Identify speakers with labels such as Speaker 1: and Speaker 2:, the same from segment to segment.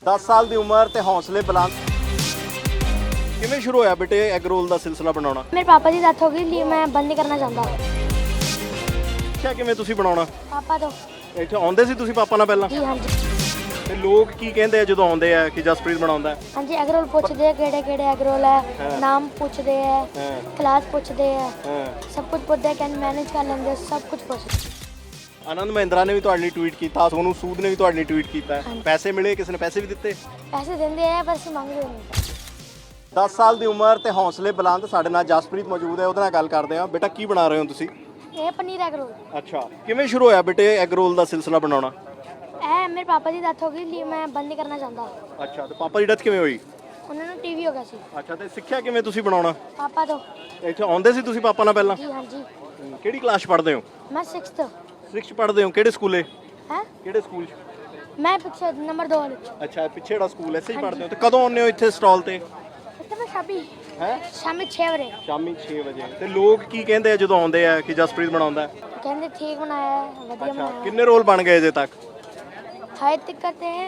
Speaker 1: 10 ਸਾਲ ਦੀ ਉਮਰ ਤੇ ਹੌਸਲੇ ਬੁਲੰਦ। ਕਿਵੇਂ ਸ਼ੁਰੂ ਹੋਇਆ ਬੇਟੇ ਐਗ ਰੋਲ ਦਾ ਸਿਲਸਿਲਾ ਬਣਾਉਣਾ?
Speaker 2: मेरे पापा की डेथ हो गई इसलिए मैं बंद नहीं करना चाहता।
Speaker 1: ਕਿਆ ਕਿਵੇਂ ਤੁਸੀਂ ਬਣਾਉਣਾ?
Speaker 2: पापा तो
Speaker 1: ਇੱਥੇ ਆਉਂਦੇ ਸੀ ਤੁਸੀਂ ਪਾਪਾ ਨਾਲ ਪਹਿਲਾਂ?
Speaker 2: जी हाँ जी
Speaker 1: ਤੇ ਲੋਕ ਕੀ ਕਹਿੰਦੇ ਆ ਜਦੋਂ ਆਉਂਦੇ ਆ ਕਿ ਜਸਪ੍ਰੀਤ ਬਣਾਉਂਦਾ ਹੈ?
Speaker 2: हाँ जी एग रोल पूछते हैं केड़े एग रोल है, नाम पूछते हैं, क्लास पूछते हैं,
Speaker 1: ਹਾਂ।
Speaker 2: सब कुछ पूछते हैं, कैन मैनेज कर लेंगे, सब कुछ पूछते।
Speaker 1: ਆਨੰਦ ਮਹਿੰਦਰਾ ਨੇ ਵੀ ਤੁਹਾਡੇ ਲਈ ਟਵੀਟ ਕੀਤਾ, ਸੋਨੂ ਸੂਦ ਨੇ ਵੀ ਤੁਹਾਡੇ ਲਈ ਟਵੀਟ ਕੀਤਾ। ਪੈਸੇ ਮਿਲੇ? ਕਿਸੇ ਨੇ ਪੈਸੇ ਵੀ ਦਿੱਤੇ?
Speaker 2: पैसे देंगे हैं बस मांगते नहीं।
Speaker 1: 10 ਸਾਲ ਦੀ ਉਮਰ ਤੇ ਹੌਸਲੇ ਬੁਲੰਦ। ਸਾਡੇ ਨਾਲ ਜਸਪ੍ਰੀਤ ਮੌਜੂਦ ਹੈ, ਉਹਦੇ ਨਾਲ ਗੱਲ ਕਰਦੇ ਆ। ਬੇਟਾ ਕੀ ਬਣਾ ਰਹੇ ਹੋ ਤੁਸੀਂ?
Speaker 2: ये पनीर एग रोल
Speaker 1: ਅੱਛਾ, ਕਿਵੇਂ ਸ਼ੁਰੂ ਹੋਇਆ ਬੇਟੇ ਐਗ ਰੋਲ ਦਾ ਸਿਲਸਿਲਾ ਬਣਾਉਣਾ?
Speaker 2: है, मेरे पापा की डेथ हो गई इसलिए मैं बंद नहीं करना चाहता।
Speaker 1: ਅੱਛਾ, ਤੇ ਪਾਪਾ ਦੀ ਡੈਥ ਕਿਵੇਂ ਹੋਈ?
Speaker 2: उन्होंने टीवी हो गया सी।
Speaker 1: ਅੱਛਾ, ਤੇ ਸਿੱਖਿਆ ਕਿਵੇਂ ਤੁਸੀਂ ਬਣਾਉਣਾ?
Speaker 2: पापा तो
Speaker 1: ਇੱਥੇ ਆਉਂਦੇ ਸੀ ਤੁਸੀਂ ਪਾਪਾ ਨਾਲ ਪਹਿਲਾਂ?
Speaker 2: जी हाँ जी
Speaker 1: ਕਿਹੜੀ ਕਲਾਸ ਪੜ੍ਹਦੇ ਹੋ?
Speaker 2: मैं 6th
Speaker 1: 6th ਪੜ੍ਹਦੇ ਹੋ? ਕਿਹੜੇ ਸਕੂਲੇ?
Speaker 2: है,
Speaker 1: ਕਿਹੜੇ ਸਕੂਲ 'ਚ?
Speaker 2: मैं पिछले नंबर 2 वाले
Speaker 1: ਅੱਛਾ, ਪਿੱਛੇ ਜਿਹੜਾ ਸਕੂਲ ਐ, ਇੱਥੇ ਹੀ ਪੜ੍ਹਦੇ ਹੋ। ਤੇ ਕਦੋਂ ਆਉਂਦੇ ਹੋ ਇੱਥੇ ਸਟਾਲ ਤੇ?
Speaker 2: इतने शामी
Speaker 1: ਹੈ
Speaker 2: शामी 6 बजे
Speaker 1: ਸ਼ਾਮੀ 6 ਵਜੇ। ਤੇ ਲੋਕ ਕੀ ਕਹਿੰਦੇ ਆ ਜਦੋਂ ਆਉਂਦੇ ਆ ਕਿ ਜਸਪ੍ਰੀਤ ਬਣਾਉਂਦਾ ਹੈ?
Speaker 2: कहते ठीक बनाया है, वधिया
Speaker 1: ਅੱਛਾ,
Speaker 2: बनाया
Speaker 1: ਕਿੰਨੇ ਰੋਲ ਬਣ ਗਏ ਅਜੇ ਤੱਕ?
Speaker 2: हाई तक करते हैं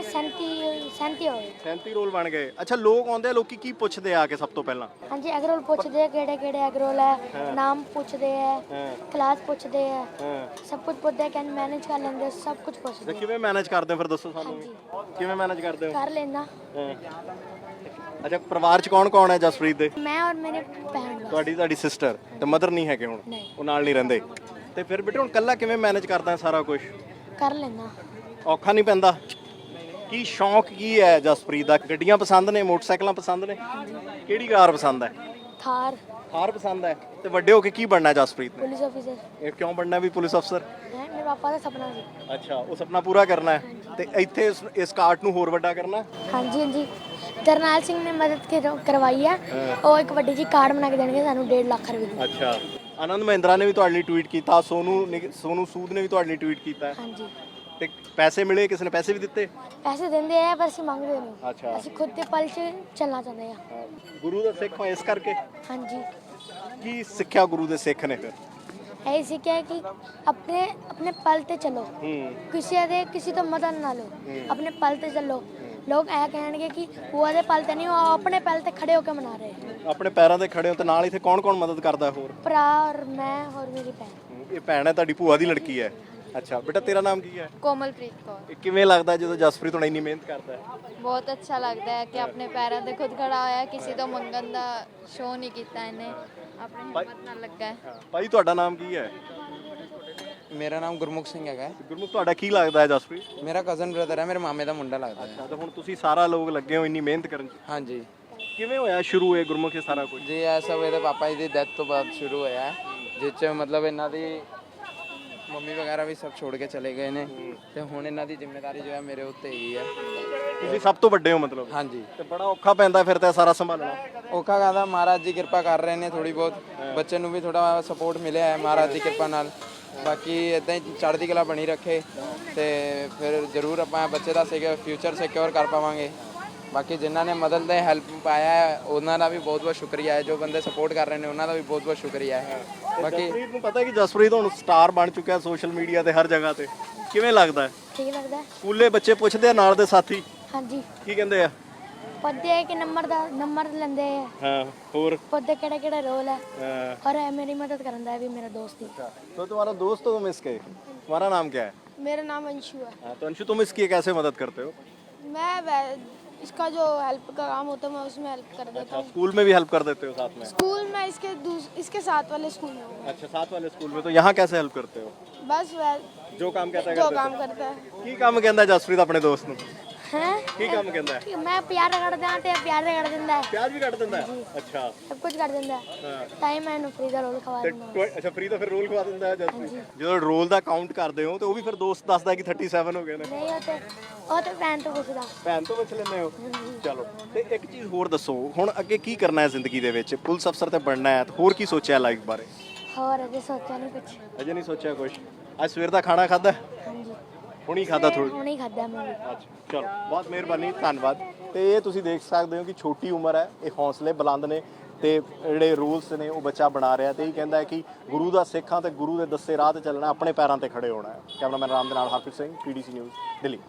Speaker 2: 37 हो गए।
Speaker 1: 37 ਰੋਲ ਬਣ ਗਏ। ਅੱਛਾ, ਲੋਕ ਆਉਂਦੇ ਆ, ਲੋਕੀ ਕੀ ਪੁੱਛਦੇ ਆ ਕੇ ਸਭ ਤੋਂ ਪਹਿਲਾਂ?
Speaker 2: हाँ जी एग रोल पूछते हैं केड़े एग रोल है, नाम पूछते हैं,
Speaker 1: ਹਾਂ
Speaker 2: क्लास पूछते हैं,
Speaker 1: ਹਾਂ।
Speaker 2: सब कुछ पूछते हैं, कैन मैनेज कर लेंगे, सब कुछ पूछते
Speaker 1: ਤੇ
Speaker 2: हैं।
Speaker 1: ਕਿਵੇਂ ਮੈਨੇਜ ਕਰਦੇ ਹੋ ਫਿਰ ਦੱਸੋ ਸਾਨੂੰ ਵੀ? ਕਿਵੇਂ ਮੈਨੇਜ ਕਰਦੇ ਹੋ?
Speaker 2: कर लेना।
Speaker 1: ਹਾਂ। ਅੱਛਾ, ਪਰਿਵਾਰ 'ਚ ਕੌਣ ਕੌਣ ਹੈ ਜਸਪ੍ਰੀਤ ਦੇ?
Speaker 2: मैं और मेरे बहन बस।
Speaker 1: ਤੁਹਾਡੀ ਸਿਸਟਰ ਤੇ ਮਦਰ ਨਹੀਂ ਹੈਗੇ ਹੁਣ?
Speaker 2: ਨਹੀਂ।
Speaker 1: ਉਹ ਨਾਲ ਨਹੀਂ ਰਹਿੰਦੇ। ਤੇ ਫਿਰ ਬੇਟੇ ਹੁਣ ਕੱਲਾ ਕਿਵੇਂ ਮੈਨੇਜ ਕਰਦਾ ਹੈ ਸਾਰਾ ਕੁਝ?
Speaker 2: कर लेना।
Speaker 1: ਔਖਾ ਨਹੀਂ ਪੈਂਦਾ? ਕੀ ਸ਼ੌਂਕ ਕੀ ਹੈ ਜਸਪ੍ਰੀਤ ਦਾ? ਗੱਡੀਆਂ ਪਸੰਦ ਨੇ? ਮੋਟਰਸਾਈਕਲਾਂ ਪਸੰਦ ਨੇ? ਕਿਹੜੀ ਕਾਰ ਪਸੰਦ ਹੈ?
Speaker 2: थार
Speaker 1: ਥਾਰ ਪਸੰਦ ਹੈ। ਤੇ ਵੱਡੇ ਹੋ ਕੇ ਕੀ ਬਣਨਾ ਹੈ ਜਸਪ੍ਰੀਤ ਨੇ?
Speaker 2: पुलिस ऑफिसर
Speaker 1: ਇਹ ਕਿਉਂ ਬਣਨਾ ਵੀ ਪੁਲਿਸ ਅਫਸਰ?
Speaker 2: है, मेरे पापा का सपना सी।
Speaker 1: ਅੱਛਾ, ਉਹ ਸੁਪਨਾ ਪੂਰਾ ਕਰਨਾ ਹੈ। ਤੇ ਇੱਥੇ ਇਸ ਕਾਰਟ ਨੂੰ ਹੋਰ ਵੱਡਾ ਕਰਨਾ ਹੈ?
Speaker 2: हाँ जी हाँ जी जरनैल सिंह ने मदद करवाई है। ਉਹ ਇੱਕ ਵੱਡੀ ਜੀ ਕਾਰਡ ਬਣਾ ਕੇ ਦੇਣਗੇ ਸਾਨੂੰ 1.5 ਲੱਖ ਰੁਪਏ ਦੀ।
Speaker 1: ਅੱਛਾ, ਆਨੰਦ ਮਹਿੰਦਰਾ ਨੇ ਵੀ ਤੁਹਾਡੇ ਲਈ ਟਵੀਟ ਕੀਤਾ, ਸੋਨੂ ਸੂਦ ਨੇ ਵੀ ਤੁਹਾਡੇ ਲਈ ਟਵੀਟ ਕੀਤਾ।
Speaker 2: हाँ जी
Speaker 1: ਤੇ ਪੈਸੇ ਮਿਲੇ? ਕਿਸੇ ਨੇ ਪੈਸੇ ਵੀ ਦਿੱਤੇ?
Speaker 2: पैसे देंगे हैं बस मांगते नहीं।
Speaker 1: ਅੱਛਾ,
Speaker 2: ਅਸੀਂ ਖੁਦ ਦੇ ਪਲ 'ਚ ਚੱਲਣਾ ਚਾਹੁੰਦੇ ਹਾਂ।
Speaker 1: ਗੁਰੂ ਦਾ ਸਿੱਖ ਹੋ ਇਸ ਕਰਕੇ?
Speaker 2: हाँ जी
Speaker 1: ਕੀ ਸਿੱਖਿਆ ਗੁਰੂ ਦੇ ਸਿੱਖ ਨੇ ਫਿਰ?
Speaker 2: यही सीखा है कि अपने अपने पल ते चलो, किसी तो मदद ना लो, अपने पल ते चलो। लोग ऐ कहेंगे कि वो आदे पल ते नहीं, वो अपने पल ते खड़े होकर मना रहे हैं।
Speaker 1: ਆਪਣੇ ਪੈਰਾਂ ਤੇ ਖੜੇ ਹੋ। ਤੇ ਨਾਲ ਇੱਥੇ ਕੌਣ ਕੌਣ ਮਦਦ ਕਰਦਾ ਹੋਰ?
Speaker 2: भरा और मैं और मेरी बहन।
Speaker 1: ਇਹ ਭੈਣ ਹੈ ਤੁਹਾਡੀ, ਭੂਆ ਦੀ ਲੜਕੀ ਹੈ। ਅੱਛਾ ਬੇਟਾ, ਤੇਰਾ ਨਾਮ ਕੀ ਹੈ?
Speaker 3: ਕੋਮਲਪ੍ਰੀਤ ਕੌਰ।
Speaker 1: ਇਹ ਕਿਵੇਂ ਲੱਗਦਾ ਜਦੋਂ ਜਸਪ੍ਰੀਤ ਹੁਣ ਇੰਨੀ ਮਿਹਨਤ ਕਰਦਾ ਹੈ?
Speaker 3: ਬਹੁਤ ਅੱਛਾ ਲੱਗਦਾ ਹੈ ਕਿ ਆਪਣੇ ਪੈਰਾਂ ਤੇ ਖੁਦ ਖੜਾ ਹੋਇਆ, ਕਿਸੇ ਤੋਂ ਮੰਗਣ ਦਾ ਸ਼ੋਅ ਨਹੀਂ ਕੀਤਾ ਇਹਨੇ, ਆਪਣੀ ਹਿੰਮਤ ਨਾਲ ਲੱਗਾ ਹੈ।
Speaker 1: ਭਾਈ ਤੁਹਾਡਾ ਨਾਮ ਕੀ ਹੈ?
Speaker 4: ਮੇਰਾ ਨਾਮ ਗੁਰਮੁਖ ਸਿੰਘ ਹੈਗਾ।
Speaker 1: ਗੁਰਮੁਖ, ਤੁਹਾਡਾ ਕੀ ਲੱਗਦਾ ਹੈ ਜਸਪ੍ਰੀਤ?
Speaker 4: ਮੇਰਾ ਕਜ਼ਨ ਬ੍ਰਦਰ ਹੈ, ਮੇਰੇ ਮਾਮੇ ਦਾ ਮੁੰਡਾ ਲੱਗਦਾ ਹੈ।
Speaker 1: ਅੱਛਾ, ਤਾਂ ਹੁਣ ਤੁਸੀਂ ਸਾਰਾ ਲੋਕ ਲੱਗੇ ਹੋ ਇੰਨੀ ਮਿਹਨਤ ਕਰਨ 'ਚ।
Speaker 4: ਹਾਂਜੀ
Speaker 1: ਕਿਵੇਂ ਹੋਇਆ ਸ਼ੁਰੂ ਇਹ ਗੁਰਮੁਖ ਇਹ ਸਾਰਾ ਕੁਝ?
Speaker 4: ਜੀ, ਇਹ ਸਭ ਇਹਦੇ ਪਾਪਾ ਜੀ ਦੀ ਡੈਥ ਤੋਂ ਬਾਅਦ ਸ਼ੁਰੂ ਹੋਇਆ ਹੈ, ਜਿਸ 'ਚ ਮਤਲਬ ਇਹਨਾਂ ਦੀ ਮੰਮੀ ਵਗੈਰਾ ਵੀ ਸਭ ਛੋੜ ਕੇ ਚਲੇ ਗਏ ਨੇ, ਤੇ ਹੁਣ ਇਹਨਾਂ ਦੀ ਜ਼ਿੰਮੇਵਾਰੀ ਜੋ ਹੈ ਮੇਰੇ ਉੱਤੇ ਹੀ ਹੈ।
Speaker 1: ਤੁਸੀਂ ਸਭ ਤੋਂ ਵੱਡੇ ਹੋ ਮਤਲਬ?
Speaker 4: ਹਾਂਜੀ,
Speaker 1: ਤੇ ਬੜਾ ਔਖਾ ਪੈਂਦਾ ਫਿਰ ਤਾਂ ਇਹ ਸਾਰਾ ਸੰਭਾਲਣਾ।
Speaker 4: ਔਖਾ ਕਹਿੰਦਾ, ਮਹਾਰਾਜ ਜੀ ਕਿਰਪਾ ਕਰ ਰਹੇ ਨੇ ਥੋੜੀ ਬਹੁਤ, ਬੱਚੇ ਨੂੰ ਵੀ ਥੋੜਾ ਸਪੋਰਟ ਮਿਲਿਆ ਹੈ ਮਹਾਰਾਜ ਦੀ ਕਿਰਪਾ ਨਾਲ। ਬਾਕੀ ਇਦਾਂ ਹੀ ਚੜ੍ਹਦੀ ਕਲਾ ਬਣੀ ਰੱਖੇ ਤੇ ਫਿਰ ਜ਼ਰੂਰ ਆਪਾਂ ਬੱਚੇ ਦਾ ਫਿਊਚਰ ਸਿਕਿਉਰ ਕਰ ਪਾਵਾਂਗੇ। ਬਾਕੀ ਜਿਨ੍ਹਾਂ ਨੇ ਮਦਦ ਦੇ ਹੈਲਪ ਪਾਇਆ ਹੈ ਉਹਨਾਂ ਦਾ ਵੀ ਬਹੁਤ ਬਹੁਤ ਸ਼ੁਕਰੀਆ ਹੈ, ਜੋ ਬੰਦੇ ਸਪੋਰਟ ਕਰ ਰਹੇ ਨੇ ਉਹਨਾਂ ਦਾ ਵੀ ਬਹੁਤ ਬਹੁਤ ਸ਼ੁਕਰੀਆ ਹੈ। ਬਾਕੀ
Speaker 1: ਜਸਪ੍ਰੀਤ ਨੂੰ ਪਤਾ ਹੈ ਕਿ ਜਸਪ੍ਰੀਤ ਹੁਣ ਸਟਾਰ ਬਣ ਚੁੱਕਿਆ ਸੋਸ਼ਲ ਮੀਡੀਆ ਤੇ ਹਰ ਜਗ੍ਹਾ ਤੇ। ਕਿਵੇਂ ਲੱਗਦਾ ਹੈ?
Speaker 2: ठीक लगता है।
Speaker 1: ਸਕੂਲੇ ਬੱਚੇ ਪੁੱਛਦੇ ਆ ਨਾਲ ਦੇ ਸਾਥੀ
Speaker 2: हाँ जी
Speaker 1: ਕੀ ਕਹਿੰਦੇ ਆ?
Speaker 2: पौधे है कि नंबर लेंदे हैं,
Speaker 1: ਹਾਂ, ਹੋਰ?
Speaker 2: पौधे केड़े रोल है,
Speaker 1: हाँ।
Speaker 2: और मेरी मदद करता है भी मेरा दोस्त ही।
Speaker 1: तो तुम्हारा दोस्त हो तुम इसके? तुम्हारा नाम क्या है?
Speaker 5: मेरा नाम अंशु है।
Speaker 1: हाँ, तो अंशु, तुम इसकी कैसे मदद करते हो?
Speaker 5: इसका जो हेल्प का काम होता है मैं उसमें हेल्प कर देता हूँ।
Speaker 1: स्कूल में भी हेल्प कर देते हो साथ में?
Speaker 5: स्कूल में इसके साथ वाले स्कूल में हूँ।
Speaker 1: अच्छा, साथ वाले स्कूल में। तो यहाँ कैसे हेल्प करते हो?
Speaker 5: बस वह
Speaker 1: जो काम कहता है
Speaker 5: जो
Speaker 1: करते
Speaker 5: काम करता है।
Speaker 1: हो? की काम कहता है जसप्रीत अपने दोस्त ਨੂੰ?
Speaker 2: हैं
Speaker 1: ਕੀ ਕੰਮ ਕਹਿੰਦਾ ਹੈ?
Speaker 2: मैं प्यार कर दिया ते प्यार कर दिंदा है,
Speaker 1: ਪਿਆਜ਼ ਵੀ ਕੱਟ ਦਿੰਦਾ ਹੈ? ਅੱਛਾ।
Speaker 2: सब कुछ कर दिंदा है।
Speaker 1: ਹਾਂ।
Speaker 2: टाइम मैंने फ्री का रोल खवा
Speaker 1: ਤੇ
Speaker 2: दिंदा।
Speaker 1: ਅੱਛਾ, ਫ੍ਰੀ ਦਾ ਫਿਰ ਰੋਲ ਖਵਾ ਦਿੰਦਾ ਹੈ ਜਸਪ੍ਰੀਤ? ਜਦੋਂ ਰੋਲ ਦਾ ਕਾਊਂਟ ਕਰਦੇ ਹੋ ਤੇ ਉਹ ਵੀ ਫਿਰ ਦੋਸਤ ਦੱਸਦਾ ਕਿ 37 ਹੋ ਗਏ ਨੇ।
Speaker 2: नहीं होते ਉਹ ਤੇ ਭੈਣ ਤੋਂ ਪੁੱਛਦਾ।
Speaker 1: ਭੈਣ ਤੋਂ ਪੁੱਛ ਲੈਂਦੇ ਹੋ? ਚਲੋ, ਤੇ ਇੱਕ ਚੀਜ਼ ਹੋਰ ਦੱਸੋ, ਹੁਣ ਅੱਗੇ ਕੀ ਕਰਨਾ ਹੈ ਜ਼ਿੰਦਗੀ ਦੇ ਵਿੱਚ? ਪੁਲਿਸ ਅਫਸਰ ਤੇ ਬਣਨਾ ਹੈ, ਤੇ ਹੋਰ ਕੀ ਸੋਚਿਆ ਲਾਈਫ ਬਾਰੇ?
Speaker 2: ਹੋਰ ਅਜੇ ਸੋਚਿਆ ਨਹੀਂ ਕੁਝ।
Speaker 1: ਅਜੇ ਨਹੀਂ ਸੋਚਿਆ ਕੁਝ? ਅੱਜ ਸਵੇਰ ਦਾ ਖਾਣਾ ਖਾਦਾ?
Speaker 2: ਹਾਂਜੀ
Speaker 1: ਹੁਣੀ ਖਾਦਾ ਥੋੜੀ?
Speaker 2: ਹੁਣੇ ਖਾਦਾ ਮੈਂ ਵੀ।
Speaker 1: ਅੱਛਾ, ਚਲੋ, ਬਹੁਤ ਮਿਹਰਬਾਨੀ, ਧੰਨਵਾਦ। ਤੇ ਇਹ ਤੁਸੀਂ ਦੇਖ ਸਕਦੇ ਹੋ ਕਿ ਛੋਟੀ ਉਮਰ ਹੈ, ਇਹ ਹੌਸਲੇ ਬੁਲੰਦ ਨੇ, ਤੇ ਜਿਹੜੇ ਰੂਲਸ ਨੇ ਉਹ ਬੱਚਾ ਬਣਾ ਰਿਹਾ, ਤੇ ਇਹ ਕਹਿੰਦਾ ਹੈ ਕਿ ਗੁਰੂ ਦਾ ਸਿੱਖਾਂ ਤੇ ਗੁਰੂ ਦੇ ਦੱਸੇ ਰਾਹ ਤੇ ਚੱਲਣਾ, ਆਪਣੇ ਪੈਰਾਂ ਤੇ ਖੜੇ ਹੋਣਾ ਹੈ। ਕੈਮਰਾਮੈਨ ਰਾਮ ਦੇ ਨਾਲ ਹਰਪ੍ਰੀਤ ਸਿੰਘ, PDC ਨਿਊਜ਼, ਦਿੱਲੀ।